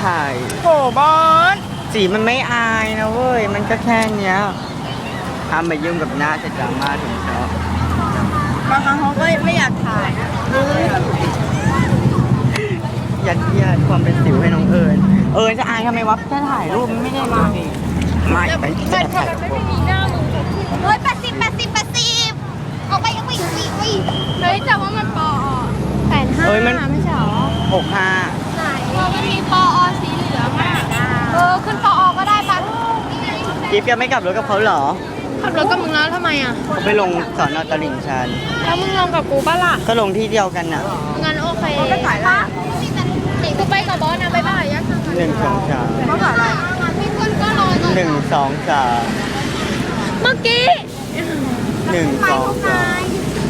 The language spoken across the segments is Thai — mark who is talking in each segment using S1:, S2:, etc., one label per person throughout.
S1: ถ่าย
S2: โหบอส
S1: สีมันไม่อายนะเว้ยมันก็แค่เนี้ยห้ามมายุ่งกับหน้าจะดราม่าถึงชอบบ
S2: างครั้งเขาก็ไม่อยากถ่ายนะ
S1: ยัดเยียดความเป็นสิวให้น้องเอิญจะอายทำไมวะแค่ถ่ายรูปมันไม่ได้มาดิไม่ไปจะถ่าย
S2: ไม่มีหน้ามึง
S3: เฮ้ย80เอาไปเอาไปเอาไปเอาไปเฮ้ยแต่ว่ามันปอ85ไม่ใช่หรอ
S1: 65
S3: ไหนมันมีปอสีเหลืองอ่ะขึ้นปอก็ได้ปะ
S1: กิ๊ฟยังไม่กลับรถกับเขาเหรอ
S3: ขับรถกับมึงแล้วทำไมอ่ะ
S1: เขาไปลงสอนอตลิ่งชัน
S3: แล้วมึงลงกับกูป่ะล่ะ
S1: ก็ลงที่เดียวกันน่ะ
S3: งั้นโอเคก็ถ่ายละกูไปกับบอสนะบ๊ายบายยักษ์
S1: 1 2 3
S2: เขาถ่ายอะไร
S3: พี่คุณก็รอก่อน
S1: 1 2 3
S3: เมื่อกี้
S1: 1 2 3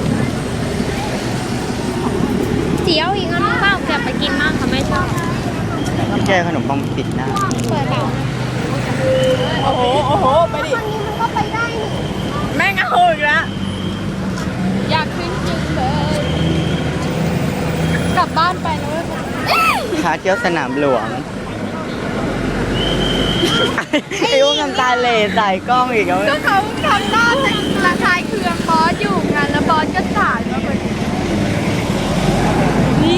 S3: เจียวอีกอันนึงเปล่าเก็บไปกินมากค่ะไม่ชอบ
S1: แกขนมปังปิดหน้า
S3: เปิดเปล่า
S2: โอ้โหไปดิ
S3: ทางนี้มันก็ไปได้นี่
S2: แม่งเอาอีกแล้ว
S3: อยากขึ้นจริงเลยกลับบ้านไปนะเว้ย
S1: ขาเที่ยวสนามหลวง ไอ้พวกน้ำตาเหล่ใส่กล้องอีกแล้ว
S3: ก็เขาทำหน้าระคายเคืองบอสอยู่ไงแล้วบอสก็ถ่ายมาเป็นนี่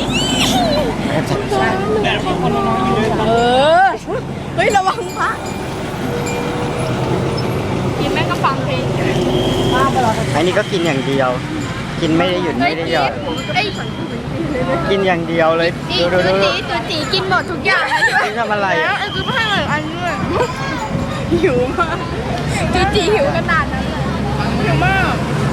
S2: เฮ้ยระวังพระ
S3: กินแม่ก็ฟังเพลง
S1: อันนี้ก็กินอย่างเดียว กินไม่ได้หยุดไม่ได้หย่อน
S3: ไอ้
S1: กินอย่างเดียวเลย
S3: จี
S1: ดู
S3: ตัวจีกินหมดทุกอย่างเลยใช่ไหม
S1: นี่ทำอะไร
S3: แล้ว
S1: อ่ะ
S3: ไอ้คือให้เลยอันนี้เลย
S2: หิวมาก
S3: จีหิวขนาดนั้นเลย
S2: หิวมาก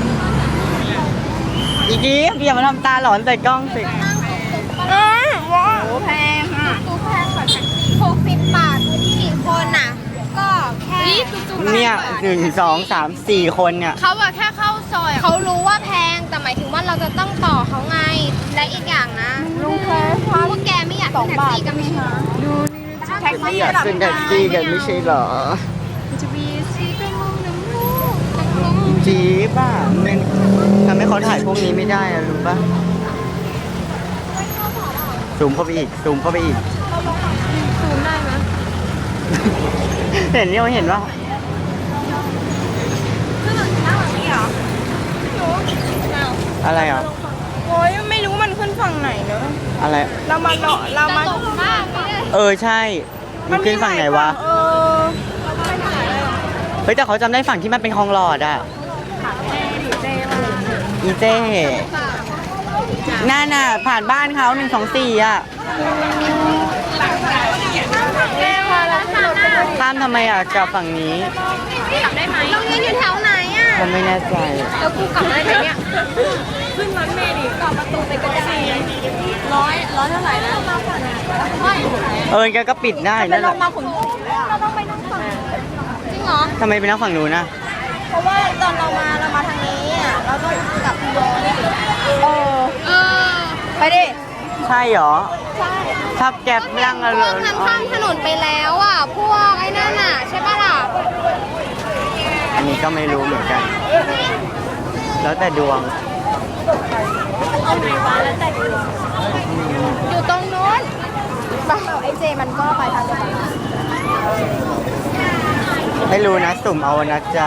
S1: อีกี้อย่ามาทำตาหลอนใส่กล้องสิ
S2: ว้าวแพงอ่ะ
S3: ตู้แพงกว่า60 บาท4 คนน่ะ ก็แค่
S1: เนี่ย1 2 3 4 คนเนี่ย
S3: เขาอะแค่เข้าซอยเขารู้ว่าแพงแต่หมายถึงว่าเราจะต้องต่อเขาไงและอีกอย่างนะ
S2: ลุงแค่พั
S3: พวกแกไม่อยากขึ้นแท็กซี่กันไม่ใช่เหรอ
S2: แท็กซี่
S1: อยากขึ้นแท็กซี่กันไม่ใช่เหรอ
S3: จะมีซีก็มองน้ำมูก
S1: จีป่ะมันทำให้เขาถ่ายพวกนี้ไม่ได้อะรู้ป่ะซูมเข้าไปอีกซูมเข้าไปอีก
S3: ซูมได้ไหม
S1: เห็นนี่เห็นว่า
S3: ขึ้นหลังหน้าหลังนี้เหรอ
S1: อะไรอ่ะ
S2: โอ้ยไม่รู้มันขึ้นฝั่งไหนเนอะ
S1: อะไร
S2: เรามาเนาะเรามา
S3: ตกมากเลย
S1: ใช่มันขึ้นฝั่งไหนวะ เฮ้ยแต่เขาจำได้ฝั่งที่มันเป็นคลองหลอดอ่ะอีเจ้นั่นน่ะผ่านบ้านเขา1 2 4อ่ะข้ามทำไมอ่ะกลับฝั่งนี้
S3: กลับได้ไหมโรงเรียนอยู่แถวไหนอ่ะ
S1: ผมไม่แน่ใจ
S3: แล้วกูกลับได้ไหมเนี่ย
S2: ขึ้นรถเมล์ดิกลับประตูไปก็ได้ร้อยเท่าไหร่นะไม่
S1: แกก็ปิดได้นั่นแห
S2: ล
S1: ละ
S2: งมาขุนศรีเลยอ่ะ
S3: จริงเหรอ
S1: ทำไมไปนั่งฝั่งนู้นนะ
S2: เพราะว่าตอนเรามาทางนี้อ่ะเราต้องกลับย้อน
S3: เออ
S2: ไปดิ
S1: ใช่เหรอถ้าแก๊ปนั่ง
S3: พวกนั้นข้ามถนนไปแล้วอ่ะพวกไอ้นั่นอ่ะใช่ป่ะล่ะ
S1: อันนี้ก็ไม่รู้เหมือนกัน แล้วแต่ดวง
S2: เอาไหนวะแล้วแต่
S3: อยู่ตรงนู้น
S2: ไอเจมันก็ไปทางเดียวกัน
S1: ไม่รู้นะสุ่มเอานะจ๊ะ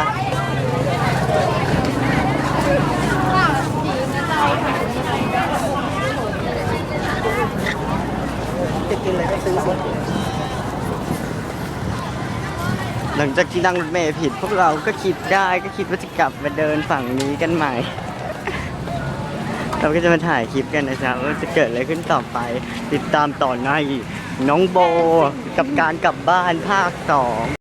S1: จะกินอะไรก็ซื้อหมดหลังจากที่นั่งรถเมล์ผิด พวกเราก็คิดได้ก็คิดว่าจะกลับมาเดินฝั่งนี้กันใหม่ เราก็จะมาถ่ายคลิปกันนะจ๊ะว่าจะเกิดอะไรขึ้นต่อไป ติดตามต่อในน้องโบกับการกลับบ้านภาค 2